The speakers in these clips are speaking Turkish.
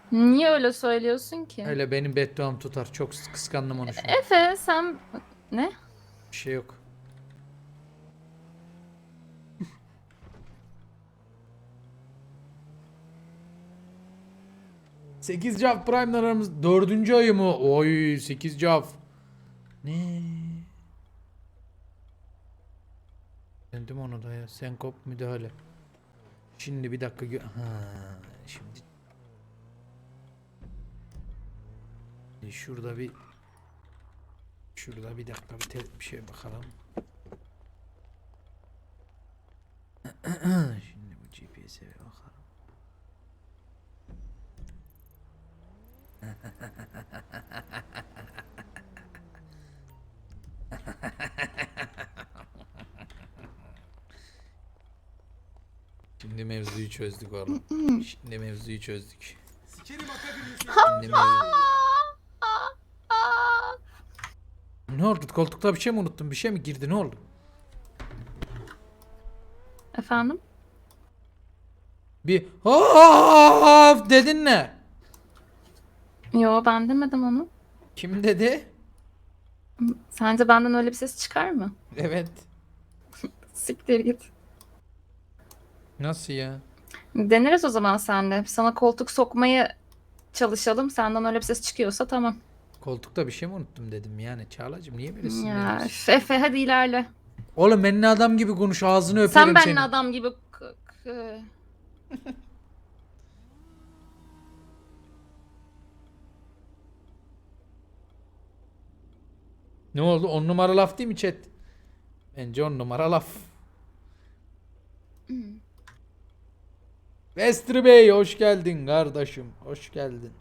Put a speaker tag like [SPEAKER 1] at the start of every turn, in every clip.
[SPEAKER 1] Niye öyle söylüyorsun ki?
[SPEAKER 2] Öyle benim bedduam tutar. Çok kıskandım onu şu an.
[SPEAKER 1] Efe sen... Ne?
[SPEAKER 2] Bir şey yok. Sekiz Cav Prime'dan aramız 4. ayı mı? Oy 8 Cav. Ne? Dedim onu da ya. Senkop müdahale. Şimdi bir dakika şimdi şurada bir dakika bir şey bakalım. Şimdi bu GPS'e bakalım. Şimdi mevzuyu çözdük oğlum. Şimdi mevzuyu çözdük. Ne oldu? Koltukta bir şey mi unuttun? Bir şey mi girdi? Ne oldu?
[SPEAKER 1] Efendim?
[SPEAKER 2] Bir of dedin ne?
[SPEAKER 1] Yo ben demedim onu.
[SPEAKER 2] Kim dedi?
[SPEAKER 1] Sence benden öyle bir ses çıkar mı?
[SPEAKER 2] Evet.
[SPEAKER 1] Siktir git.
[SPEAKER 2] Nasıl ya?
[SPEAKER 1] Deneriz o zaman senle. Sana koltuk sokmayı çalışalım. Senden öyle bir ses çıkıyorsa tamam.
[SPEAKER 2] Koltukta bir şey mi unuttum dedim yani. Çağlacığım niye böyle
[SPEAKER 1] Ya
[SPEAKER 2] sinirleniyorsun?
[SPEAKER 1] Efe hadi ilerle.
[SPEAKER 2] Oğlum benimle adam gibi konuş, ağzını
[SPEAKER 1] Sen
[SPEAKER 2] öperim
[SPEAKER 1] benimle
[SPEAKER 2] senin.
[SPEAKER 1] adam gibi...
[SPEAKER 2] Ne oldu? 10 numara laf değil mi chat? Bence 10 numara laf. Vestri Bey hoş geldin kardeşim. Hoş geldin.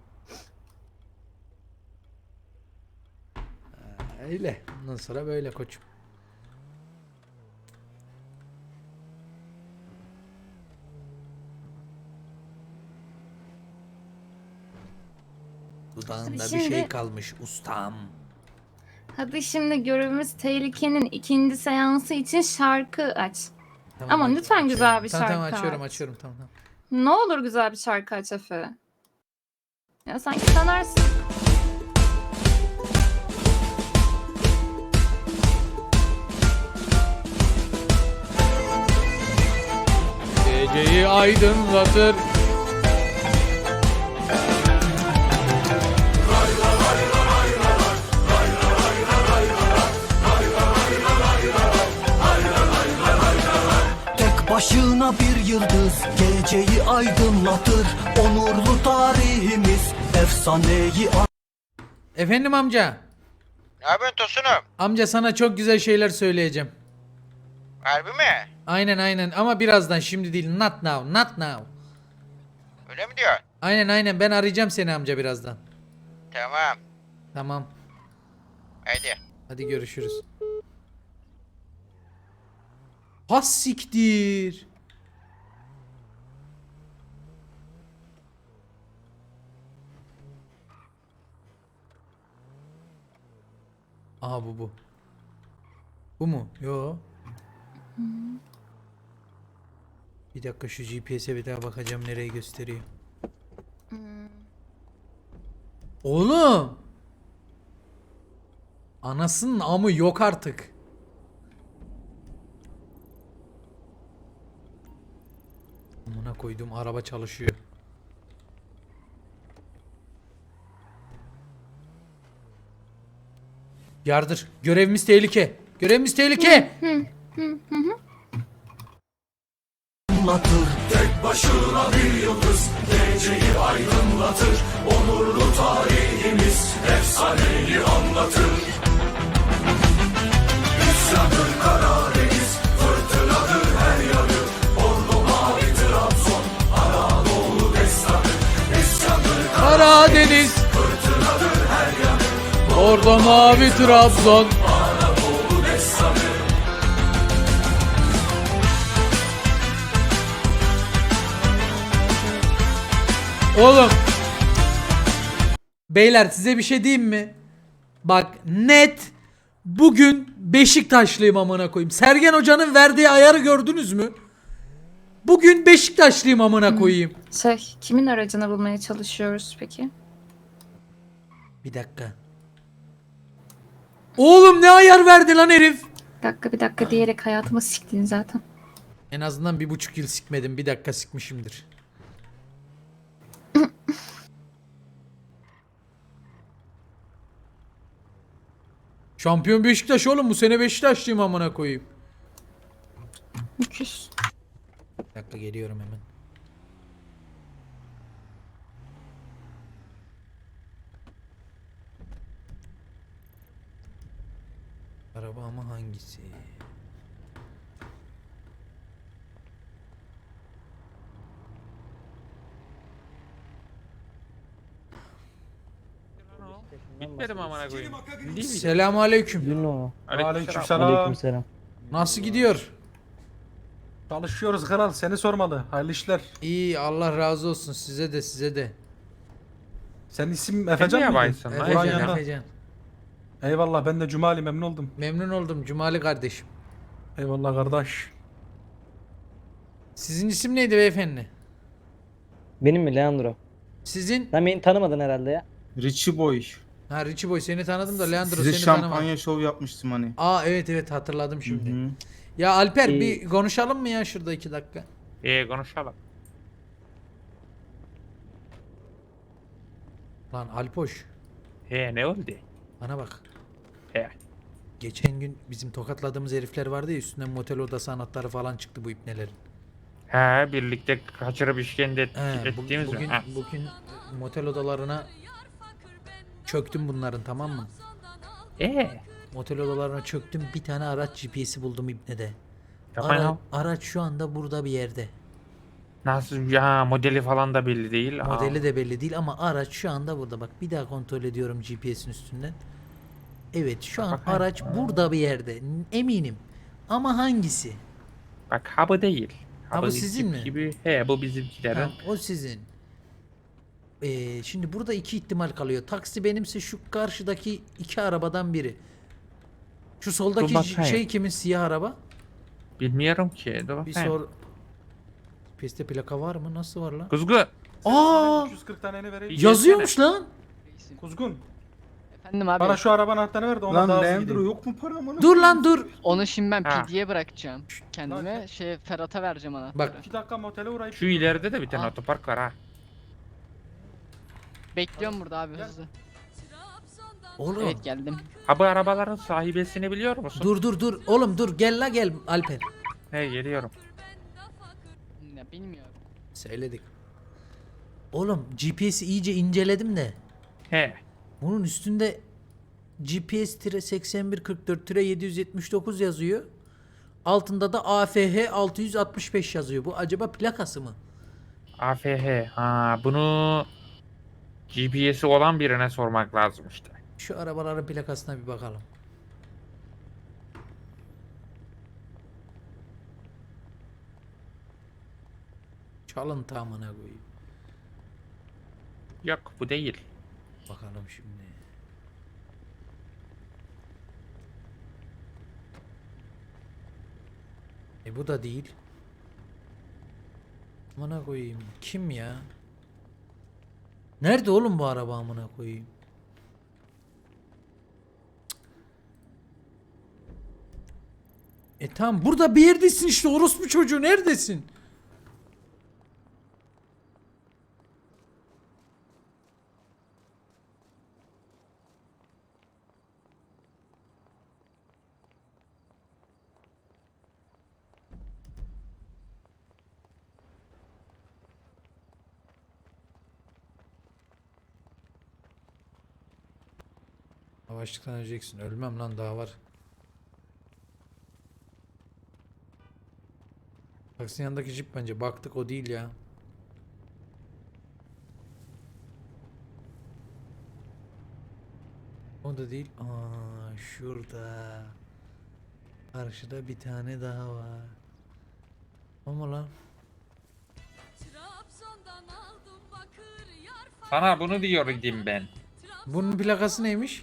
[SPEAKER 2] Öyle. Ondan sonra böyle koçum. Dudağında bir şey
[SPEAKER 1] Şimdi-
[SPEAKER 2] kalmış ustam.
[SPEAKER 1] Hadi şimdi görevimiz tehlikenin ikinci seansı için şarkı aç.
[SPEAKER 2] Tamam,
[SPEAKER 1] Ama lütfen
[SPEAKER 2] açıyorum.
[SPEAKER 1] güzel bir
[SPEAKER 2] Tamam,
[SPEAKER 1] şarkı
[SPEAKER 2] açıyorum
[SPEAKER 1] aç.
[SPEAKER 2] tamam.
[SPEAKER 1] Ne olur güzel bir şarkı aç Efe. Ya sanki sanarsın.
[SPEAKER 2] Geceyi aydınlatır.
[SPEAKER 3] Tek başına bir yıldız geceyi aydınlatır. Onurlu tarihimiz efsaneyi
[SPEAKER 2] Efendim amca.
[SPEAKER 4] Ne yapıyorsun Tosunum?
[SPEAKER 2] Amca sana çok güzel şeyler söyleyeceğim.
[SPEAKER 4] Harbi mi?
[SPEAKER 2] Aynen ama birazdan, şimdi değil. Not now.
[SPEAKER 4] Öyle mi diyorsun?
[SPEAKER 2] Aynen ben arayacağım seni amca birazdan.
[SPEAKER 4] Tamam.
[SPEAKER 2] Tamam.
[SPEAKER 4] Haydi.
[SPEAKER 2] Hadi görüşürüz. Has siktir. Aha bu. Bu mu? Yo. Bir dakika şu GPS'e bir daha bakacağım nereyi gösteriyor. Oğlum. Anasının amı yok artık. Amına koydum, araba çalışıyor. Yardır. Görevimiz tehlike. Görevimiz tehlike.
[SPEAKER 3] anlatır. Tek başına bir yıldız geceyi aydınlatır. Onurlu tarihimiz efsaneyi anlatır. İsyandır Karadeniz, fırtınadır her yanı. Ordu mavi Trabzon, Anadolu destanı. İsyandır
[SPEAKER 2] Karadeniz.
[SPEAKER 3] fırtınadır her yanı.
[SPEAKER 2] Orada mavi Trabzon.
[SPEAKER 3] Anadolu destanı.
[SPEAKER 2] Oğlum. Beyler size bir şey diyeyim mi? Bak net bugün Beşiktaşlıyım amına koyayım. Sergen Hoca'nın verdiği ayarı gördünüz mü? Bugün Beşiktaşlıyım amına koyayım.
[SPEAKER 1] Kimin aracını bulmaya çalışıyoruz peki?
[SPEAKER 2] Bir dakika. Oğlum ne ayar verdi lan herif?
[SPEAKER 1] Bir dakika diyerek hayatımı siktin zaten.
[SPEAKER 2] En azından 1,5 yıl sikmedim. 1 dakika sikmişimdir. Şampiyon Beşiktaş oğlum, bu sene Beşiktaşlıyım amına koyayım.
[SPEAKER 1] Müküs.
[SPEAKER 2] Bir dakika geliyorum hemen. Araba ama hangisi?
[SPEAKER 5] Bitmedim amına koyayım. Değil mi?
[SPEAKER 2] Selamun aleyküm.
[SPEAKER 5] Aleykümselam.
[SPEAKER 6] Aleykümselam.
[SPEAKER 2] Nasıl gidiyor?
[SPEAKER 7] Çalışıyoruz kral, seni sormalı. Hayırlı işler.
[SPEAKER 2] İyi, Allah razı olsun, size de size de.
[SPEAKER 7] Senin isim Efecan
[SPEAKER 5] niye
[SPEAKER 7] mıydı?
[SPEAKER 5] baysın lan?
[SPEAKER 7] Burak'ın
[SPEAKER 2] Efecan,
[SPEAKER 7] yanında.
[SPEAKER 2] Efecan.
[SPEAKER 7] Eyvallah, ben de Cumali, memnun oldum.
[SPEAKER 2] Memnun oldum Cumali kardeşim.
[SPEAKER 7] Eyvallah kardeş.
[SPEAKER 2] Sizin isim neydi beyefendi?
[SPEAKER 6] Benim mi Leandro?
[SPEAKER 2] Sizin?
[SPEAKER 6] Sen beni tanımadın herhalde ya.
[SPEAKER 8] Richie Boy.
[SPEAKER 2] Ha Richie Boy, seni tanıdım da Leandro
[SPEAKER 8] Size
[SPEAKER 2] seni
[SPEAKER 8] şampanya
[SPEAKER 2] tanımadım.
[SPEAKER 8] şov yapmıştım hani.
[SPEAKER 2] Aa evet hatırladım şimdi.
[SPEAKER 8] Hı hı.
[SPEAKER 2] Ya Alper
[SPEAKER 6] İyi.
[SPEAKER 2] bir konuşalım mı ya şurada 2 dakika?
[SPEAKER 5] Konuşalım.
[SPEAKER 2] Lan Alpoş
[SPEAKER 5] Ne oldu?
[SPEAKER 2] bana bak.
[SPEAKER 5] He.
[SPEAKER 2] Geçen gün bizim tokatladığımız herifler vardı ya, üstünden motel odası anahtarı falan çıktı bu ipnelerin.
[SPEAKER 5] Birlikte kaçırıp işkence ettiğimiz
[SPEAKER 2] bugün,
[SPEAKER 5] mi? Ha.
[SPEAKER 2] bugün motel odalarına çöktüm bunların, tamam mı? Motel odalarına çöktüm, bir tane araç GPS'i buldum ipnede.
[SPEAKER 5] Yapma ya.
[SPEAKER 2] Araç şu anda burada bir yerde.
[SPEAKER 5] Nasıl ya, modeli falan da belli değil.
[SPEAKER 2] Modeli de belli değil ama araç şu anda burada. Bak bir daha kontrol ediyorum GPS'in üstünden. Evet şu an
[SPEAKER 5] Bakayım.
[SPEAKER 2] araç burada bir yerde. Eminim. Ama hangisi?
[SPEAKER 5] Bak ha bu değil.
[SPEAKER 2] Ha, bu
[SPEAKER 5] bizim
[SPEAKER 2] sizin
[SPEAKER 5] tip
[SPEAKER 2] mi?
[SPEAKER 5] Gibi. Bu bizimkilerin.
[SPEAKER 2] Ha, o sizin. Şimdi burada 2 ihtimal kalıyor. Taksi benimse şu karşıdaki 2 arabadan biri. Şu soldaki
[SPEAKER 5] Dur bakayım.
[SPEAKER 2] şey kimin, siyah araba?
[SPEAKER 5] Bilmiyorum ki. Dur
[SPEAKER 2] Bir
[SPEAKER 5] bakayım.
[SPEAKER 2] sor. Piste plaka var mı? Nasıl var lan?
[SPEAKER 5] Kuzgu.
[SPEAKER 2] Aa!
[SPEAKER 7] 240 taneni vereyim.
[SPEAKER 2] Yazıyormuş lan.
[SPEAKER 7] Kuzgun,
[SPEAKER 9] Efendim abi.
[SPEAKER 7] bana şu arabanın anahtarını ver de ona
[SPEAKER 8] Lan
[SPEAKER 7] daha hızlı
[SPEAKER 8] Leandro
[SPEAKER 7] gideyim.
[SPEAKER 8] yok mu para amına?
[SPEAKER 2] Dur lan dur.
[SPEAKER 9] Onu şimdi ben
[SPEAKER 5] Ha.
[SPEAKER 9] PD'ye bırakacağım. Kendime
[SPEAKER 7] Lan-
[SPEAKER 9] Ferhat'a vereceğim anahtarı.
[SPEAKER 2] Bak.
[SPEAKER 7] 2 dakika motele uğrayıp.
[SPEAKER 5] Şu ileride de bir tane
[SPEAKER 9] Aa.
[SPEAKER 5] otopark var ha.
[SPEAKER 9] Bekliyorum burada abi hızlı.
[SPEAKER 2] Oğlum.
[SPEAKER 9] Evet geldim.
[SPEAKER 5] Ha bu arabaların sahibesini biliyor musun?
[SPEAKER 2] Dur. Oğlum dur, gel la gel Alper.
[SPEAKER 5] Geliyorum.
[SPEAKER 9] Ya bilmiyorum.
[SPEAKER 2] Söyledik. Oğlum GPS'i iyice inceledim de. Bunun üstünde GPS-8144-779 yazıyor. Altında da AFH 665 yazıyor. Bu acaba plakası mı?
[SPEAKER 5] AFH. Bunu GPS'i olan birine sormak lazım işte.
[SPEAKER 2] Şu arabaların plakasına bir bakalım. Çalın tamına koyayım.
[SPEAKER 5] Yok bu değil.
[SPEAKER 2] Bakalım şimdi. Bu da değil. Amına koyayım. Kim ya? Nerede oğlum bu araba amına koyayım? Tamam burada bir yerdesin işte, orospu çocuğu, neredesin? Yavaşlıktan öleceksin. Ölmem lan, daha var. Taksinin yanındaki jip bence. Baktık, o değil ya. O da değil. Aa, şurada. Karşıda bir tane daha var. Ama lan.
[SPEAKER 5] Sana bunu diyordum ben.
[SPEAKER 2] Bunun plakası neymiş?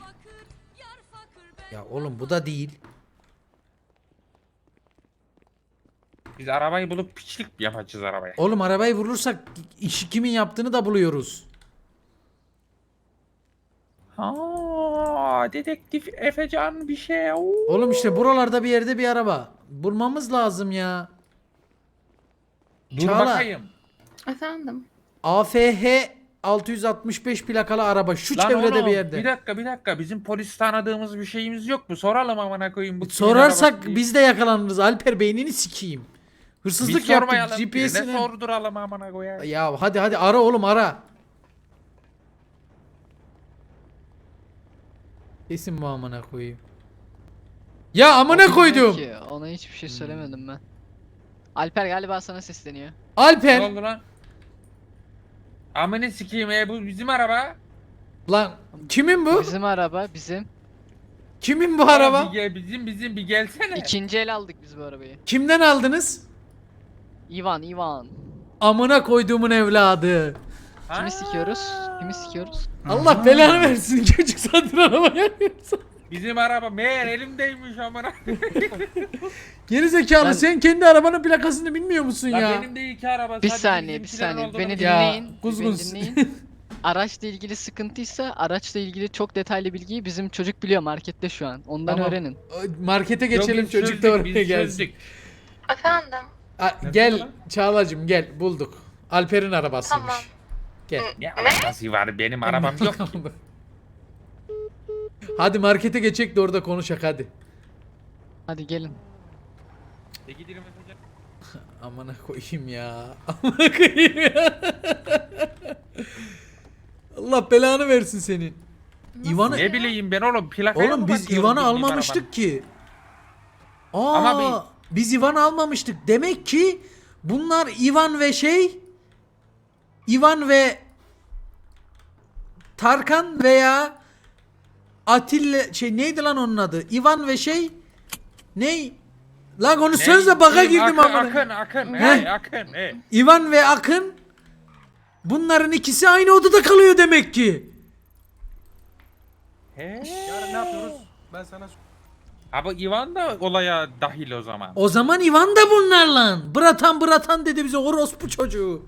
[SPEAKER 2] Ya oğlum bu da değil.
[SPEAKER 5] Biz arabayı bulup piçlik yapacağız arabaya.
[SPEAKER 2] Oğlum arabayı vurursak işi kimin yaptığını da buluyoruz.
[SPEAKER 5] Aa, dedektif Efecan bir şey. Oo.
[SPEAKER 2] Oğlum işte buralarda bir yerde bir araba. Bulmamız lazım ya.
[SPEAKER 5] Dur
[SPEAKER 2] Çağla.
[SPEAKER 5] bakayım.
[SPEAKER 1] Efendim.
[SPEAKER 2] AFH 665 plakalı araba şu
[SPEAKER 5] Lan
[SPEAKER 2] çevrede
[SPEAKER 5] oğlum,
[SPEAKER 2] bir yerde.
[SPEAKER 5] bir dakika. Bizim polis tanıdığımız bir şeyimiz yok mu? Soralım amına koyayım. Bu kimin
[SPEAKER 2] Sorarsak
[SPEAKER 5] arabası diye.
[SPEAKER 2] biz de yakalanırız. Alper beynini sikeyim.
[SPEAKER 5] Biz
[SPEAKER 2] Hırsızlık
[SPEAKER 5] sormayalım.
[SPEAKER 2] yaptık
[SPEAKER 5] Birine
[SPEAKER 2] GPS'ine.
[SPEAKER 5] sorduralım amına koyayım.
[SPEAKER 2] Ya hadi ara oğlum ara. Kesin bu amına koyayım. Ya amına
[SPEAKER 9] O bilmiyor
[SPEAKER 2] koydum.
[SPEAKER 9] ki, ona hiçbir şey söylemedim ben. Alper galiba sana sesleniyor.
[SPEAKER 5] Ne
[SPEAKER 2] Alper.
[SPEAKER 5] oldu lan? Amına sikeyim bu bizim araba.
[SPEAKER 2] Lan kimin bu?
[SPEAKER 9] Bizim araba bizim.
[SPEAKER 2] Kimin bu araba?
[SPEAKER 5] Bir gel, bizim bir gelsene.
[SPEAKER 9] İkinci el aldık biz bu arabayı.
[SPEAKER 2] Kimden aldınız?
[SPEAKER 9] Ivan.
[SPEAKER 2] Amına koyduğumun evladı.
[SPEAKER 9] Kimi sikiyoruz? Kimi sikiyoruz?
[SPEAKER 2] Allah belanı versin. Çocuk satın araba yapıyorsun.
[SPEAKER 5] Bizim araba meğer elimdeymiş amına.
[SPEAKER 2] Geri zekalı
[SPEAKER 9] Ben-
[SPEAKER 2] sen kendi arabanın plakasını bilmiyor musun
[SPEAKER 5] Lan
[SPEAKER 2] ya?
[SPEAKER 5] benim de iki araba.
[SPEAKER 9] Bir
[SPEAKER 5] sadece
[SPEAKER 9] saniye, bir
[SPEAKER 5] bizimkilerin
[SPEAKER 9] saniye.
[SPEAKER 5] olduğunu
[SPEAKER 9] Beni
[SPEAKER 5] biliyorum.
[SPEAKER 2] Ya,
[SPEAKER 9] dinleyin.
[SPEAKER 2] kuzgun.
[SPEAKER 9] Beni dinleyin. Araçla ilgili sıkıntıysa araçla ilgili çok detaylı bilgiyi bizim çocuk biliyor markette şu an. Ondan
[SPEAKER 2] Tamam.
[SPEAKER 9] öğrenin.
[SPEAKER 2] Markete
[SPEAKER 5] Yok,
[SPEAKER 2] geçelim
[SPEAKER 5] biz
[SPEAKER 2] çocuk
[SPEAKER 5] çözdük,
[SPEAKER 2] da oraya
[SPEAKER 5] biz
[SPEAKER 2] gelsin.
[SPEAKER 5] çözdük.
[SPEAKER 1] Efendim.
[SPEAKER 2] Gel
[SPEAKER 7] lan?
[SPEAKER 2] Çağlacığım gel bulduk. Alper'in arabasıymış.
[SPEAKER 1] Tamam.
[SPEAKER 2] Gel.
[SPEAKER 5] Ne alakası var benim arabam yok.
[SPEAKER 2] Hadi markete geçek de orada konuşak hadi.
[SPEAKER 9] Hadi gelin.
[SPEAKER 5] Gidelim Efecan.
[SPEAKER 2] Amına koyayım ya. Amına koyayım ya. Allah belanı versin senin. İvan'ı
[SPEAKER 5] Ne bileyim ben oğlum plakaya
[SPEAKER 2] Oğlum
[SPEAKER 5] mı
[SPEAKER 2] biz
[SPEAKER 5] bakıyorum
[SPEAKER 2] İvan'ı
[SPEAKER 5] bildiğim
[SPEAKER 2] almamıştık ki. Aa,
[SPEAKER 5] Ama
[SPEAKER 2] biz İvan'ı almamıştık. Demek ki bunlar İvan ve Tarkan veya Atilla neydi lan onun adı? İvan ve ney? Lan onu sözle baka girdim amına.
[SPEAKER 5] Akın.
[SPEAKER 2] He?
[SPEAKER 5] Akın.
[SPEAKER 2] İvan ve Akın bunların ikisi aynı odada kalıyor demek ki.
[SPEAKER 5] He.
[SPEAKER 7] Yarın ne yapıyoruz? Ben sana
[SPEAKER 5] Abi Ivan da olaya dahil o zaman.
[SPEAKER 2] O zaman İvan da bunlarla. Bratan dedi bize orospu çocuğu.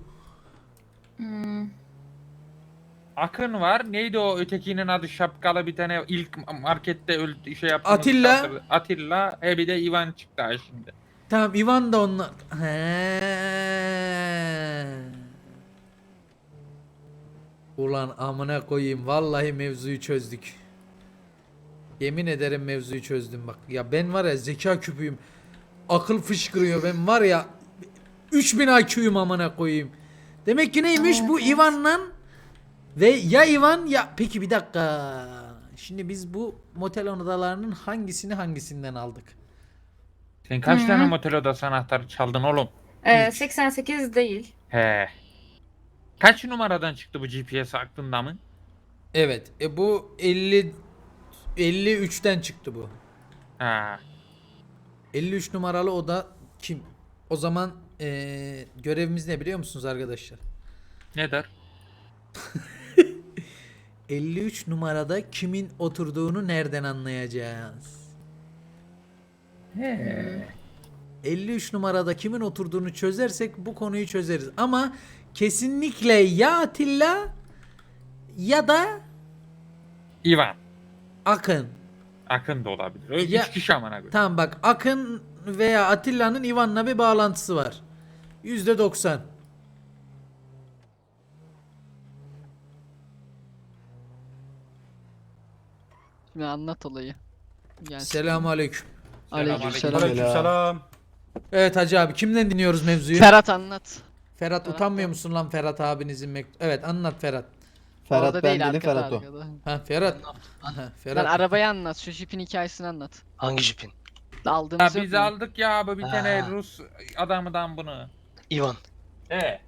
[SPEAKER 5] Akın var. Neydi o ötekinin adı şapkalı bir tane ilk markette şey yaptı.
[SPEAKER 2] Atilla.
[SPEAKER 5] Atilla. Bir de Ivan çıktı ha şimdi.
[SPEAKER 2] Tamam İvan da onlar. He. Ulan amına koyayım vallahi mevzuyu çözdük. Yemin ederim mevzuyu çözdüm bak. Ya ben var ya zeka küpüyüm. Akıl fışkırıyor ben var ya 3000 IQ'yum amına koyayım. Demek ki neymiş bu İvan'la ve ya İvan ya peki bir dakika. Şimdi biz bu motel odalarının hangisinden aldık?
[SPEAKER 5] Sen kaç tane motel odası anahtarı çaldın oğlum?
[SPEAKER 1] 88 değil.
[SPEAKER 5] He. Kaç numaradan çıktı bu GPS aklında mı?
[SPEAKER 2] Evet. Bu 53'ten çıktı bu.
[SPEAKER 5] Ha.
[SPEAKER 2] 53 numaralı oda kim? O zaman görevimiz ne biliyor musunuz arkadaşlar?
[SPEAKER 5] Ne der?
[SPEAKER 2] 53 numarada kimin oturduğunu nereden anlayacağız?
[SPEAKER 5] He.
[SPEAKER 2] 53 numarada kimin oturduğunu çözersek bu konuyu çözeriz. Ama kesinlikle ya Atilla ya da
[SPEAKER 5] Ivan.
[SPEAKER 2] Akın.
[SPEAKER 5] Akın da olabilir. Öyle
[SPEAKER 2] Ya-
[SPEAKER 5] 3 kişi amına koy.
[SPEAKER 2] Tamam bak Akın veya Atilla'nın İvan'la bir bağlantısı var. %90.
[SPEAKER 9] Şimdi anlat olayı. Gel.
[SPEAKER 2] Selamünaleyküm.
[SPEAKER 9] Aleykümselam.
[SPEAKER 7] Aleykümselam.
[SPEAKER 2] Evet Hacı abi kimden dinliyoruz mevzuyu?
[SPEAKER 9] Ferhat anlat.
[SPEAKER 2] Ferhat
[SPEAKER 9] Ferhat
[SPEAKER 2] utanmıyor
[SPEAKER 9] da-
[SPEAKER 2] musun lan Ferhat abinizin Evet anlat Ferhat.
[SPEAKER 6] Ferhat
[SPEAKER 9] Orada
[SPEAKER 6] ben
[SPEAKER 9] değil,
[SPEAKER 6] değilim,
[SPEAKER 9] arkada,
[SPEAKER 6] Ferhat o.
[SPEAKER 9] arkada.
[SPEAKER 2] Ha Ferhat. Ha,
[SPEAKER 9] Lan
[SPEAKER 2] Ferhat.
[SPEAKER 9] arabayı anlat. Şu jipin hikayesini anlat.
[SPEAKER 8] Hangi jipin?
[SPEAKER 5] Ya
[SPEAKER 9] Aldığımız yok
[SPEAKER 5] biz
[SPEAKER 9] mu?
[SPEAKER 5] aldık ya abi bir tane
[SPEAKER 8] Ha.
[SPEAKER 5] Rus adamdan bunu.
[SPEAKER 8] Ivan.
[SPEAKER 5] He.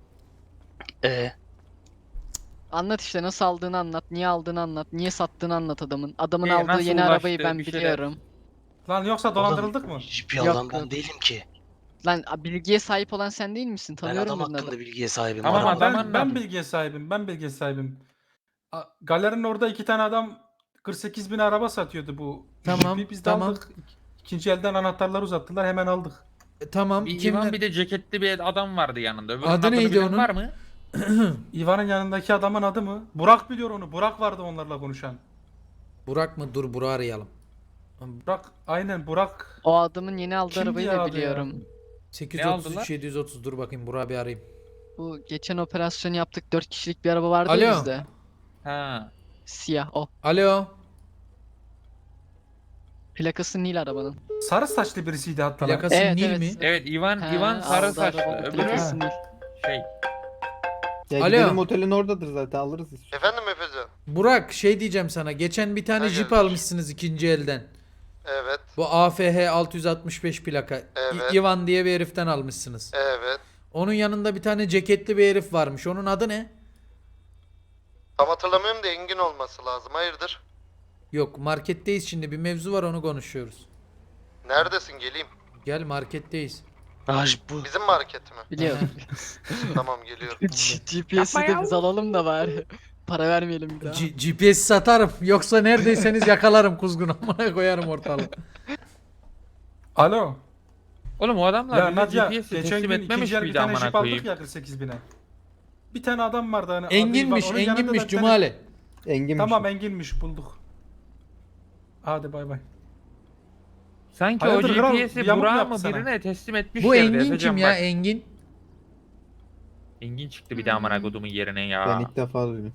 [SPEAKER 9] Anlat işte nasıl aldığını anlat. Niye aldığını anlat. Niye sattığını anlat adamın. Adamın aldığı
[SPEAKER 5] nasıl
[SPEAKER 9] yeni arabayı
[SPEAKER 5] ulaştı,
[SPEAKER 9] ben
[SPEAKER 5] bir şeyler.
[SPEAKER 9] biliyorum.
[SPEAKER 7] Lan yoksa dolandırıldık mı?
[SPEAKER 8] Jipi
[SPEAKER 9] Yok,
[SPEAKER 8] alan ben
[SPEAKER 9] yok.
[SPEAKER 8] değilim ki.
[SPEAKER 9] Lan bilgiye sahip olan sen değil misin?
[SPEAKER 8] Ben
[SPEAKER 9] Tanıyorum
[SPEAKER 8] adam
[SPEAKER 9] dedin adamı.
[SPEAKER 8] hakkında bilgiye sahibim.
[SPEAKER 5] Tamam,
[SPEAKER 8] Araba-
[SPEAKER 5] adam
[SPEAKER 7] Ben
[SPEAKER 5] anladım.
[SPEAKER 7] bilgiye sahibim. Ben bilgiye sahibim. Galerinin orada iki tane adam 48 bin araba satıyordu bu.
[SPEAKER 2] Tamam,
[SPEAKER 7] jipi. Biz de
[SPEAKER 2] tamam.
[SPEAKER 7] aldık. İkinci elden anahtarları uzattılar hemen aldık.
[SPEAKER 2] Tamam.
[SPEAKER 5] Bir
[SPEAKER 2] Kimler?
[SPEAKER 5] Ivan bir de ceketli bir adam vardı yanında. Öbürünün
[SPEAKER 2] Adı
[SPEAKER 5] adını
[SPEAKER 2] neydi
[SPEAKER 5] bilen
[SPEAKER 2] onun?
[SPEAKER 5] var mı?
[SPEAKER 7] İvan'ın yanındaki adamın adı mı? Burak biliyor onu. Burak vardı onlarla konuşan.
[SPEAKER 2] Burak mı? Dur Burak'ı arayalım.
[SPEAKER 7] Burak aynen Burak.
[SPEAKER 9] O adamın yeni aldığı
[SPEAKER 7] Kimdi
[SPEAKER 9] arabayı
[SPEAKER 7] ya
[SPEAKER 9] da
[SPEAKER 7] adı ya?
[SPEAKER 9] biliyorum.
[SPEAKER 2] 833 730 dur bakayım Burak'ı bir arayayım.
[SPEAKER 9] Bu geçen operasyonu yaptık. 4 kişilik bir araba vardı
[SPEAKER 2] Alo.
[SPEAKER 9] ya bizde.
[SPEAKER 5] Ha.
[SPEAKER 9] Siyah o.
[SPEAKER 2] Alo.
[SPEAKER 9] Plakası Nil arabanın.
[SPEAKER 7] Sarı saçlı birisiydi hatta. lan.
[SPEAKER 2] Plakası
[SPEAKER 9] Evet,
[SPEAKER 2] Nil
[SPEAKER 9] evet.
[SPEAKER 2] mi?
[SPEAKER 5] Evet Ivan
[SPEAKER 9] He,
[SPEAKER 5] Ivan sarı
[SPEAKER 9] aldı
[SPEAKER 5] saçlı.
[SPEAKER 9] arabanın
[SPEAKER 5] Öbürü
[SPEAKER 9] plakası Nil.
[SPEAKER 5] şey.
[SPEAKER 8] Ya
[SPEAKER 2] Alo.
[SPEAKER 8] gidelim otelin oradadır zaten alırız.
[SPEAKER 4] Efendim Efecan?
[SPEAKER 2] Burak şey diyeceğim sana. Geçen bir tane
[SPEAKER 4] Ha,
[SPEAKER 2] jip
[SPEAKER 4] gelmiş.
[SPEAKER 2] almışsınız ikinci elden.
[SPEAKER 4] Evet,
[SPEAKER 2] Bu AFH 665 plaka.
[SPEAKER 4] Evet.
[SPEAKER 2] Ivan diye bir heriften almışsınız.
[SPEAKER 4] evet.
[SPEAKER 2] Onun yanında bir tane ceketli bir herif varmış. Onun adı ne?
[SPEAKER 4] Tam hatırlamıyorum da Engin olması lazım. Hayırdır?
[SPEAKER 2] Yok marketteyiz şimdi. Bir mevzu var onu konuşuyoruz.
[SPEAKER 4] Neredesin? Geleyim.
[SPEAKER 2] Gel marketteyiz.
[SPEAKER 4] Bizim market mi?
[SPEAKER 9] Biliyorum.
[SPEAKER 4] Tamam geliyorum.
[SPEAKER 9] GPS'i de biz alalım da bari. Para vermeyelim bir daha.
[SPEAKER 2] GPS satarım. Yoksa neredeyseniz yakalarım kuzgun. Amına koyarım ortalığı.
[SPEAKER 7] Alo.
[SPEAKER 5] Oğlum o adamlar
[SPEAKER 7] Ya
[SPEAKER 5] bize
[SPEAKER 7] Nadia
[SPEAKER 5] GPS'i
[SPEAKER 7] geçen
[SPEAKER 5] teslim
[SPEAKER 7] gün
[SPEAKER 5] etmemiş
[SPEAKER 7] ikinci el bir
[SPEAKER 5] miydi
[SPEAKER 7] tane
[SPEAKER 5] amına
[SPEAKER 7] jip aldık
[SPEAKER 5] koyayım?
[SPEAKER 7] ya 48 bine. Bir tane adam vardı hani. adı
[SPEAKER 2] Enginmiş,
[SPEAKER 7] İvan, onun yanında da
[SPEAKER 2] Enginmiş
[SPEAKER 7] bir tane-
[SPEAKER 2] Cumali.
[SPEAKER 8] Enginmiş.
[SPEAKER 7] Tamam Enginmiş bulduk. Hadi bay bay.
[SPEAKER 5] Sanki
[SPEAKER 7] Hayırdır
[SPEAKER 5] o
[SPEAKER 7] kral, bir
[SPEAKER 5] GPS'i
[SPEAKER 7] yamuk
[SPEAKER 5] Burak'a
[SPEAKER 7] yaptı
[SPEAKER 5] mı
[SPEAKER 7] sana.
[SPEAKER 5] birine teslim etmiş
[SPEAKER 2] Bu
[SPEAKER 5] yerde,
[SPEAKER 2] Engin
[SPEAKER 5] Efecan
[SPEAKER 2] kim ya?
[SPEAKER 5] bak.
[SPEAKER 2] Engin.
[SPEAKER 5] Engin çıktı bir de amına kodumun yerine ya.
[SPEAKER 8] Ben ilk defa duydum.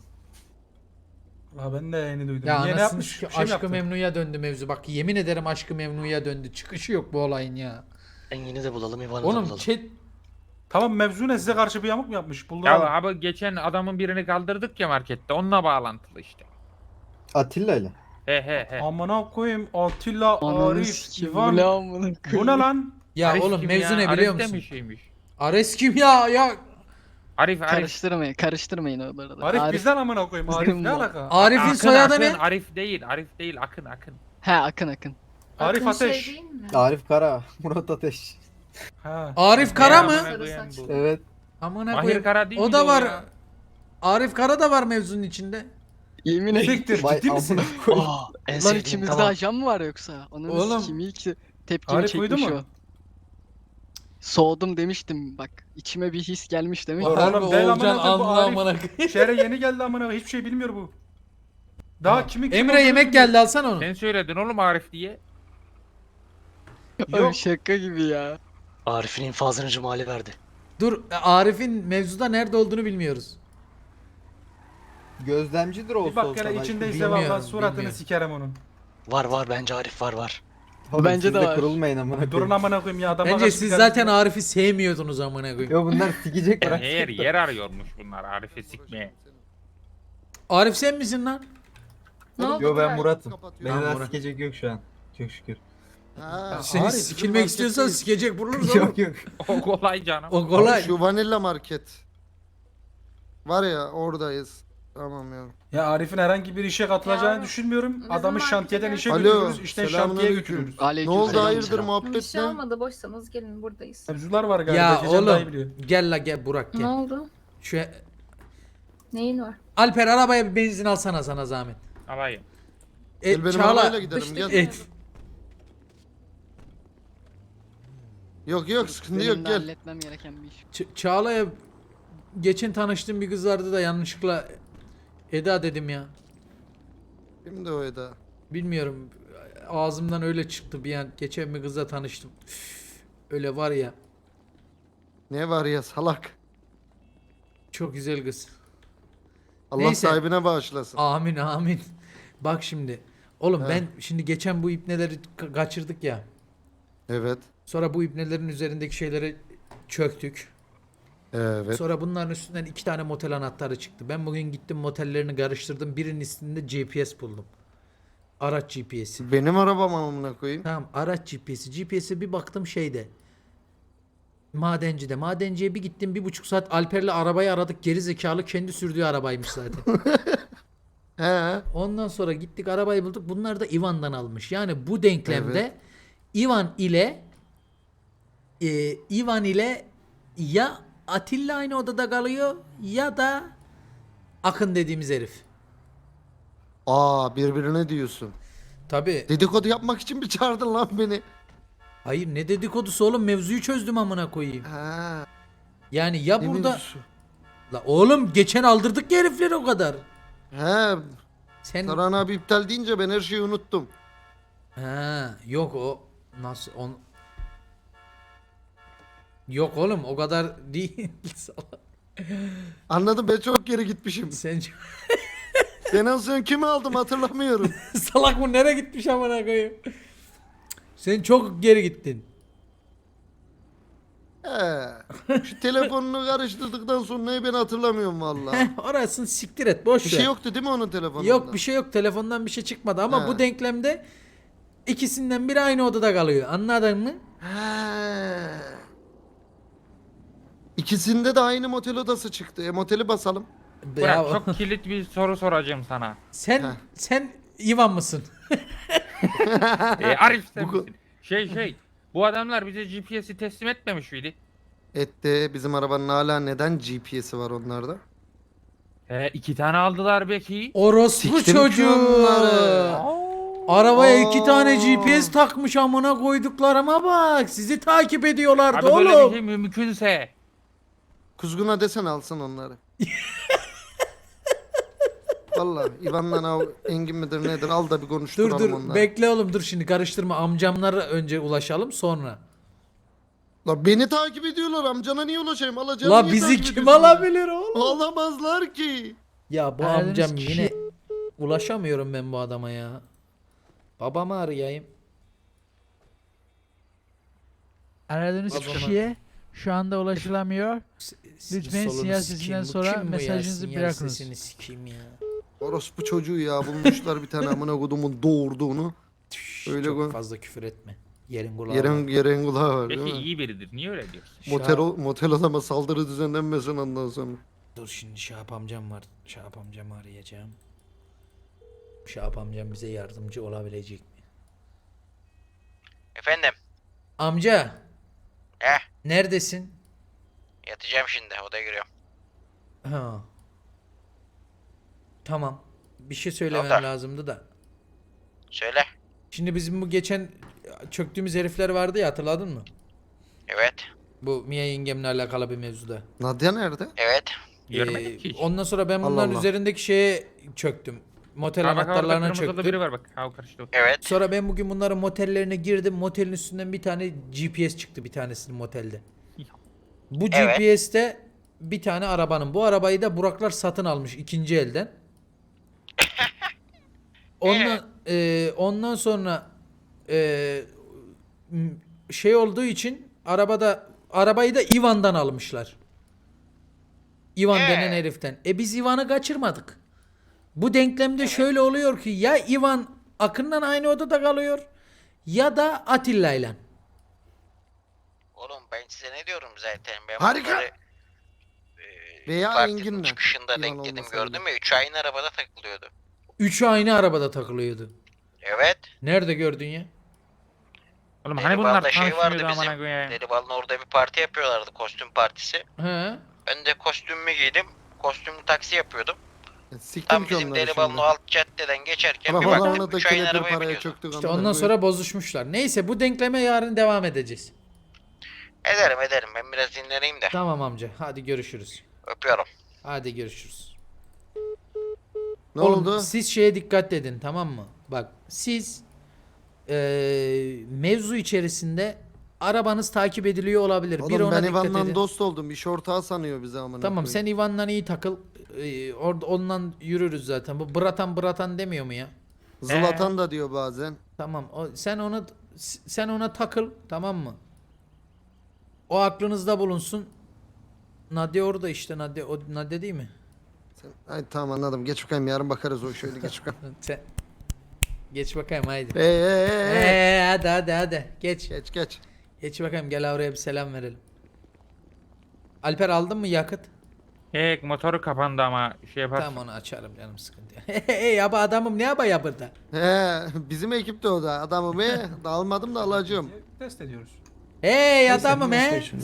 [SPEAKER 7] Ha ben de yeni duydum.
[SPEAKER 2] Ya
[SPEAKER 7] Niye ne
[SPEAKER 2] anasını
[SPEAKER 7] yapmış?
[SPEAKER 2] sikeyim,
[SPEAKER 7] Bir şey mi
[SPEAKER 2] Aşk-ı
[SPEAKER 7] yaptı?
[SPEAKER 2] Memnu'ya döndü mevzu. Bak yemin ederim Aşk-ı Memnu'ya döndü. Çıkışı yok bu olayın ya.
[SPEAKER 10] Engin'i de bulalım, İvan'ı da
[SPEAKER 2] Oğlum
[SPEAKER 10] bulalım.
[SPEAKER 2] chat
[SPEAKER 7] Tamam mevzu ne, size karşı bir yamuk mu yapmış? Buldu
[SPEAKER 5] Ya
[SPEAKER 7] adam.
[SPEAKER 5] abi geçen adamın birini kaldırdık ya markette. Onunla bağlantılı işte.
[SPEAKER 8] Atilla ile.
[SPEAKER 5] He.
[SPEAKER 7] Amına koyayım Atilla,
[SPEAKER 9] Ananı
[SPEAKER 7] Arif,
[SPEAKER 9] sikeyim.
[SPEAKER 7] İvan.
[SPEAKER 9] Bu ne amına
[SPEAKER 7] Bu
[SPEAKER 9] koyayım?
[SPEAKER 7] ne lan?
[SPEAKER 2] ya
[SPEAKER 5] Arif
[SPEAKER 2] oğlum
[SPEAKER 5] kim
[SPEAKER 2] mevzu
[SPEAKER 5] ya?
[SPEAKER 2] ne biliyor
[SPEAKER 5] Arif de
[SPEAKER 2] musun?
[SPEAKER 5] mi şeymiş?
[SPEAKER 2] Ares kim ya?
[SPEAKER 5] Arif.
[SPEAKER 9] Karıştırmayın oraları.
[SPEAKER 7] Arif bizden amına koyayım. Arif ne
[SPEAKER 9] Bizim bu.
[SPEAKER 7] alaka?
[SPEAKER 2] Arif'in
[SPEAKER 5] Akın,
[SPEAKER 2] soyadı
[SPEAKER 5] Akın,
[SPEAKER 2] ne?
[SPEAKER 5] Arif değil Akın.
[SPEAKER 9] He Akın.
[SPEAKER 7] Arif
[SPEAKER 1] Akın
[SPEAKER 7] Ateş.
[SPEAKER 1] Şey değil mi?
[SPEAKER 8] Arif Kara. Murat Ateş.
[SPEAKER 7] Ha.
[SPEAKER 2] Arif Kara
[SPEAKER 5] Ne
[SPEAKER 2] mı?
[SPEAKER 5] amına koyayım bu?
[SPEAKER 8] Evet.
[SPEAKER 2] Amına
[SPEAKER 5] Mahir
[SPEAKER 2] koyayım.
[SPEAKER 5] Kara değil
[SPEAKER 2] O
[SPEAKER 5] miydi
[SPEAKER 2] da var.
[SPEAKER 5] ya?
[SPEAKER 2] Arif Kara da var mevzunun içinde.
[SPEAKER 9] Yemin ederim.
[SPEAKER 7] Siktir
[SPEAKER 8] Vay
[SPEAKER 7] ciddi misin?
[SPEAKER 8] amına koyayım.
[SPEAKER 10] Aa, en
[SPEAKER 9] Lan
[SPEAKER 10] sevdiğim
[SPEAKER 9] içimizde
[SPEAKER 10] tamam.
[SPEAKER 9] ajan mı var yoksa? Onun
[SPEAKER 2] Oğlum.
[SPEAKER 9] sikeyim ilk tepkimi
[SPEAKER 7] Arif uyudu
[SPEAKER 9] çekmiş
[SPEAKER 7] mu?
[SPEAKER 9] o. Soğudum demiştim bak. İçime bir his gelmiş demek.
[SPEAKER 7] Oğlum,
[SPEAKER 2] Harbi
[SPEAKER 7] değil
[SPEAKER 2] Oğulcan
[SPEAKER 7] amına koyayım, bu
[SPEAKER 2] anlı
[SPEAKER 7] Arif.
[SPEAKER 2] amına koyayım.
[SPEAKER 7] Şehre yeni geldi amına koyayım. Hiçbir şey bilmiyor bu. Daha kimin kim
[SPEAKER 2] Emre
[SPEAKER 7] olduğunu
[SPEAKER 2] yemek
[SPEAKER 7] bilmiyor.
[SPEAKER 2] geldi alsana onu.
[SPEAKER 5] Sen söyledin oğlum Arif diye.
[SPEAKER 9] Oğlum
[SPEAKER 7] Yok.
[SPEAKER 9] şaka gibi ya.
[SPEAKER 10] Arif'in infazını Cumali verdi.
[SPEAKER 2] Dur Arif'in mevzuda nerede olduğunu bilmiyoruz.
[SPEAKER 8] Gözlemcidir
[SPEAKER 7] Bir
[SPEAKER 8] olsa
[SPEAKER 7] bak
[SPEAKER 8] olsa.
[SPEAKER 7] hele
[SPEAKER 8] belki.
[SPEAKER 7] içindeyse
[SPEAKER 2] Bilmiyorum,
[SPEAKER 7] valla suratını
[SPEAKER 2] bilmiyorum.
[SPEAKER 7] sikerim onun.
[SPEAKER 10] Var bence Arif var.
[SPEAKER 8] Oğlum,
[SPEAKER 9] Bence
[SPEAKER 8] siz
[SPEAKER 9] de
[SPEAKER 8] de
[SPEAKER 9] var.
[SPEAKER 8] kurulmayın amına
[SPEAKER 7] Durun
[SPEAKER 8] koyayım.
[SPEAKER 7] amına koyayım ya adama
[SPEAKER 2] Bence
[SPEAKER 7] kaç
[SPEAKER 2] siz
[SPEAKER 7] bir
[SPEAKER 2] zaten
[SPEAKER 7] tane-
[SPEAKER 2] Arif'i sevmiyordunuz amına koyayım.
[SPEAKER 8] Yo bunlar sikecek bırak.
[SPEAKER 5] Yer arıyormuş bunlar Arif'i sikmeye.
[SPEAKER 2] Arif sen misin lan?
[SPEAKER 1] Ne oldu?
[SPEAKER 8] Yo ben
[SPEAKER 1] Kral?
[SPEAKER 8] Murat'ım. Beni
[SPEAKER 2] Tamam,
[SPEAKER 8] daha
[SPEAKER 2] Murat.
[SPEAKER 8] sikecek yok şu an. Çok şükür.
[SPEAKER 2] Seni
[SPEAKER 7] Arif,
[SPEAKER 2] sikilmek istiyorsan sikecek buluruz oğlum.
[SPEAKER 8] Yok yok.
[SPEAKER 5] O kolay canım.
[SPEAKER 2] O kolay.
[SPEAKER 11] Şu Vanilla Market. Var ya oradayız. Tamam ya.
[SPEAKER 7] Ya Arif'in herhangi bir işe katılacağını
[SPEAKER 1] Ya,
[SPEAKER 7] düşünmüyorum.
[SPEAKER 1] bizim
[SPEAKER 7] Adamı
[SPEAKER 1] markete
[SPEAKER 7] şantiyeden
[SPEAKER 1] gel.
[SPEAKER 7] işe
[SPEAKER 11] Alo,
[SPEAKER 7] götürüyoruz. İşten şantiye
[SPEAKER 11] selamünaleyküm.
[SPEAKER 7] götürüyoruz.
[SPEAKER 11] Ne
[SPEAKER 9] Aleyküm
[SPEAKER 11] oldu
[SPEAKER 9] selam.
[SPEAKER 11] hayırdır
[SPEAKER 1] Bir
[SPEAKER 11] muhabbet
[SPEAKER 1] şey
[SPEAKER 11] ne?
[SPEAKER 1] olmadı. Boşsanız gelin buradayız.
[SPEAKER 7] Mevzular var galiba.
[SPEAKER 2] Ya
[SPEAKER 7] Gecen daha iyi
[SPEAKER 2] oğlum
[SPEAKER 7] biliyor.
[SPEAKER 2] gel la gel Burak
[SPEAKER 1] Ne
[SPEAKER 2] gel.
[SPEAKER 1] oldu?
[SPEAKER 2] Şu
[SPEAKER 1] Neyin var?
[SPEAKER 2] Alper arabaya bir benzin alsana sana zahmet.
[SPEAKER 5] Alayım.
[SPEAKER 11] Gel benim arabayla gidelim gel. Yok yok sıkıntı
[SPEAKER 9] Benim
[SPEAKER 11] yok
[SPEAKER 9] de
[SPEAKER 11] gel.
[SPEAKER 9] halletmem gereken bir iş.
[SPEAKER 2] Çağla'ya geçen tanıştığım bir kız vardı da yanlışlıkla Eda dedim ya.
[SPEAKER 11] Kimdi o Eda?
[SPEAKER 2] Bilmiyorum ağzımdan öyle çıktı bir an. Geçen bir kızla tanıştım. Üf, öyle var ya
[SPEAKER 11] Ne var ya salak.
[SPEAKER 2] çok güzel kız.
[SPEAKER 11] Allah
[SPEAKER 2] Neyse.
[SPEAKER 11] sahibine bağışlasın.
[SPEAKER 2] Amin amin. Bak şimdi. Oğlum
[SPEAKER 11] He.
[SPEAKER 2] ben şimdi geçen bu ipneleri kaçırdık ya.
[SPEAKER 11] Evet.
[SPEAKER 2] Sonra bu ipnelerin üzerindeki şeyleri çöktük.
[SPEAKER 11] Evet.
[SPEAKER 2] Sonra bunların üstünden 2 tane motel anahtarı çıktı. Ben bugün gittim motellerini karıştırdım. Birinin üstünde GPS buldum. Araç GPS'i.
[SPEAKER 11] Benim arabam amına koyayım.
[SPEAKER 2] Tamam araç GPS'i. GPS'e bir baktım şeyde. Madencide. Madenciye bir gittim 1,5 saat Alper'le arabayı aradık. Geri zekalı kendi sürdüğü arabaymış zaten.
[SPEAKER 11] He.
[SPEAKER 2] Ondan sonra gittik arabayı bulduk. Bunlar da Ivan'dan almış. Yani bu denklemde Ivan ile ya Atilla aynı odada kalıyor ya da Akın dediğimiz herif.
[SPEAKER 11] Aa birbirine diyorsun.
[SPEAKER 2] Tabi.
[SPEAKER 11] Dedikodu yapmak için mi çağırdın lan beni?
[SPEAKER 2] Hayır ne dedikodusu oğlum, mevzuyu çözdüm amına koyayım.
[SPEAKER 11] Ha.
[SPEAKER 2] Yani ya
[SPEAKER 11] ne
[SPEAKER 2] burada
[SPEAKER 11] mevzusu?
[SPEAKER 2] la oğlum geçen aldırdık ya herifleri o kadar.
[SPEAKER 11] He.
[SPEAKER 2] Sen
[SPEAKER 11] Saran abi iptal deyince ben her şeyi unuttum.
[SPEAKER 2] ha yok o nasıl on yok oğlum o kadar değil. Salak.
[SPEAKER 11] Anladım, ben çok geri gitmişim.
[SPEAKER 2] Sen
[SPEAKER 11] Ben en son kimi aldım hatırlamıyorum.
[SPEAKER 2] salak bu nereye gitmiş amına koyayım. Sen çok geri gittin.
[SPEAKER 11] He. Şu telefonunu karıştırdıktan sonra ben hatırlamıyorum vallahi.
[SPEAKER 2] Orasını siktir et boş
[SPEAKER 11] Bir
[SPEAKER 2] ver.
[SPEAKER 11] şey yoktu değil mi onun telefonunda?
[SPEAKER 2] Yok bir şey yok, telefondan bir şey çıkmadı ama
[SPEAKER 11] Ha.
[SPEAKER 2] bu denklemde ikisinden biri aynı odada kalıyor, anladın mı?
[SPEAKER 11] He. İkisinde de aynı motel odası çıktı. Moteli basalım.
[SPEAKER 5] Burak
[SPEAKER 2] Ya,
[SPEAKER 5] çok kilit bir soru soracağım sana.
[SPEAKER 2] sen Ivan mısın?
[SPEAKER 5] Arif sen
[SPEAKER 11] Bu-
[SPEAKER 5] misin? Bu adamlar bize GPS'i teslim etmemiş miydi?
[SPEAKER 11] Etti. Bizim arabanın hala neden GPS'i var onlarda?
[SPEAKER 5] 2 tane aldılar belki.
[SPEAKER 2] Orospu
[SPEAKER 11] Siktim ki
[SPEAKER 2] çocuğu.
[SPEAKER 11] onları.
[SPEAKER 2] Arabaya
[SPEAKER 11] Aa.
[SPEAKER 2] 2 tane GPS takmış amına koyduklarıma bak. Sizi takip ediyorlardı
[SPEAKER 5] Abi böyle bir
[SPEAKER 2] oğlum.
[SPEAKER 5] şey mümkünse.
[SPEAKER 11] Kuzguna desen alsın onları. Vallahi İvan'la Engin midir nedir al da bir
[SPEAKER 2] Dur
[SPEAKER 11] konuşturalım
[SPEAKER 2] dur
[SPEAKER 11] onları.
[SPEAKER 2] bekle oğlum, dur şimdi karıştırma, amcamlara önce ulaşalım sonra.
[SPEAKER 11] La beni takip ediyorlar, amcana niye ulaşayım? Alacağım
[SPEAKER 2] La
[SPEAKER 11] niye
[SPEAKER 2] bizi
[SPEAKER 11] takip
[SPEAKER 2] kim
[SPEAKER 11] ediyorsun?
[SPEAKER 2] alabilir oğlum?
[SPEAKER 11] Alamazlar ki.
[SPEAKER 2] Ya bu
[SPEAKER 6] Aradığınız
[SPEAKER 2] amcam
[SPEAKER 6] kişi-
[SPEAKER 2] yine ulaşamıyorum ben bu adama ya. Babamı arayayım.
[SPEAKER 12] Aradığınız
[SPEAKER 2] O zaman-
[SPEAKER 12] kişiye şu anda ulaşılamıyor. Lütfen
[SPEAKER 2] Solunu
[SPEAKER 12] sinyal
[SPEAKER 2] sikeyim,
[SPEAKER 12] sesinden
[SPEAKER 2] bu
[SPEAKER 12] sonra
[SPEAKER 2] kim bu ya?
[SPEAKER 12] mesajınızı
[SPEAKER 2] Sinyal
[SPEAKER 12] bırakınız.
[SPEAKER 2] sesini sikeyim ya.
[SPEAKER 11] Orospu çocuğu ya, bulmuşlar bir tane amına kodumun doğurduğunu. Öyle
[SPEAKER 2] Çok
[SPEAKER 11] koy.
[SPEAKER 2] fazla küfür etme. Yerin kulağı var.
[SPEAKER 11] Yerin kulağı var
[SPEAKER 5] Peki
[SPEAKER 11] değil mi?
[SPEAKER 5] iyi biridir. Niye öyle diyorsun?
[SPEAKER 11] Motel adama saldırı düzenlenmesin ondan sonra.
[SPEAKER 2] Dur şimdi Şahap amcam var. Şahap amcamı arayacağım. Şahap amcam bize yardımcı olabilecek mi?
[SPEAKER 10] Efendim,
[SPEAKER 2] Amca.
[SPEAKER 10] He?
[SPEAKER 2] Neredesin?
[SPEAKER 10] yatacağım şimdi, odaya giriyorum.
[SPEAKER 2] Ha. Tamam. Bir şey söylemem
[SPEAKER 10] Oldu.
[SPEAKER 2] lazımdı da.
[SPEAKER 10] Söyle.
[SPEAKER 2] Şimdi bizim bu geçen çöktüğümüz herifler vardı ya, hatırladın mı?
[SPEAKER 10] Evet.
[SPEAKER 2] Bu Mia yengemle alakalı bir mevzuda.
[SPEAKER 11] Nadia nerede?
[SPEAKER 10] Evet.
[SPEAKER 5] Görmedik ki hiç.
[SPEAKER 2] Ondan sonra ben
[SPEAKER 11] Allah
[SPEAKER 2] bunların
[SPEAKER 11] Allah.
[SPEAKER 2] üzerindeki şeye çöktüm. Motel
[SPEAKER 5] Ha bak orada
[SPEAKER 2] anahtarlarına
[SPEAKER 5] kırmızılı
[SPEAKER 2] çöktüm.
[SPEAKER 5] biri var bak. Ha o karıştı.
[SPEAKER 10] Evet.
[SPEAKER 2] Sonra ben bugün bunların motellerine girdim. Motelin üstünden bir tane GPS çıktı, bir tanesinin motelde. Bu
[SPEAKER 10] Evet.
[SPEAKER 2] GPS'te bir tane arabanın. Bu arabayı da Buraklar satın almış ikinci elden. Ondan sonra şey olduğu için arabayı da Ivan'dan almışlar. Ivan denen heriften. Biz Ivan'ı kaçırmadık. Bu denklemde şöyle oluyor ki ya Ivan Akın'la aynı odada kalıyor ya da Atilla'yla.
[SPEAKER 10] Oğlum ben size ne diyorum zaten. Ben
[SPEAKER 11] Harika.
[SPEAKER 10] bunları,
[SPEAKER 11] Veya
[SPEAKER 10] partinin
[SPEAKER 11] Engin'le.
[SPEAKER 10] çıkışında
[SPEAKER 11] Yalan
[SPEAKER 10] denk dedim,
[SPEAKER 11] olmasa
[SPEAKER 10] gördün
[SPEAKER 11] bile.
[SPEAKER 10] mü? 3 aynı arabada takılıyordu.
[SPEAKER 2] Üçü aynı arabada takılıyordu.
[SPEAKER 10] Evet.
[SPEAKER 2] Nerede gördün ya?
[SPEAKER 5] Oğlum hani bunlar
[SPEAKER 10] Delibal'da şey vardı
[SPEAKER 5] tanışmıyordu amına
[SPEAKER 10] bizim.
[SPEAKER 5] koyayım.
[SPEAKER 10] Delibal'ın orada bir parti yapıyorlardı, kostüm partisi.
[SPEAKER 2] He.
[SPEAKER 10] Ben de kostümümü giydim. Kostümlü taksi yapıyordum.
[SPEAKER 11] Siktim
[SPEAKER 10] Tam
[SPEAKER 11] ki
[SPEAKER 10] bizim
[SPEAKER 11] onları
[SPEAKER 10] Delibal'ın
[SPEAKER 11] şimdi.
[SPEAKER 10] o alt caddeden geçerken bir
[SPEAKER 11] Arabalarına
[SPEAKER 10] baktım
[SPEAKER 11] da
[SPEAKER 10] 3 aynı
[SPEAKER 11] kelepir
[SPEAKER 10] arabaya
[SPEAKER 11] paraya
[SPEAKER 10] biniyordu.
[SPEAKER 11] çöktük.
[SPEAKER 2] İşte
[SPEAKER 11] amına
[SPEAKER 2] ondan
[SPEAKER 11] koyayım.
[SPEAKER 2] sonra bozuşmuşlar. Neyse bu denkleme yarın devam edeceğiz.
[SPEAKER 10] Ederim. Ben biraz dinleneyim de.
[SPEAKER 2] Tamam amca. Hadi görüşürüz.
[SPEAKER 10] Öpüyorum.
[SPEAKER 2] Hadi görüşürüz.
[SPEAKER 11] Ne
[SPEAKER 2] Oğlum,
[SPEAKER 11] oldu?
[SPEAKER 2] siz şeye dikkat edin, tamam mı? Bak siz mevzu içerisinde arabanız takip ediliyor olabilir. Bir
[SPEAKER 11] Oğlum
[SPEAKER 2] ona
[SPEAKER 11] ben
[SPEAKER 2] dikkat
[SPEAKER 11] Ivan'la
[SPEAKER 2] edin.
[SPEAKER 11] dost oldum. İş ortağı sanıyor bizi amına
[SPEAKER 2] Tamam
[SPEAKER 11] koyayım.
[SPEAKER 2] sen Ivan'la iyi takıl. Orada ondan yürürüz zaten. Bu Bratan demiyor mu ya?
[SPEAKER 11] Zlatan da diyor bazen.
[SPEAKER 2] Tamam. Sen ona takıl, tamam mı? O aklınızda bulunsun. Nadia orada işte, Nadia değil mi?
[SPEAKER 11] Ay tamam anladım. Geç bakayım, yarın bakarız o şöyle geç bakayım.
[SPEAKER 2] Sen geç bakayım haydi.
[SPEAKER 11] Hey.
[SPEAKER 2] Hadi geç.
[SPEAKER 11] Geç.
[SPEAKER 2] Geç bakayım, gel oraya bir selam verelim. Alper aldın mı yakıt?
[SPEAKER 5] Motoru kapandı ama şey yaparsın.
[SPEAKER 2] Tamam onu açarım canım, sıkıntı yok. Hey ya bu adamım ne yapıyor burada?
[SPEAKER 11] He, bizim ekipte o da. Adamı be. Almadım da alacağım.
[SPEAKER 7] Test ediyoruz.
[SPEAKER 2] Hey adamım he.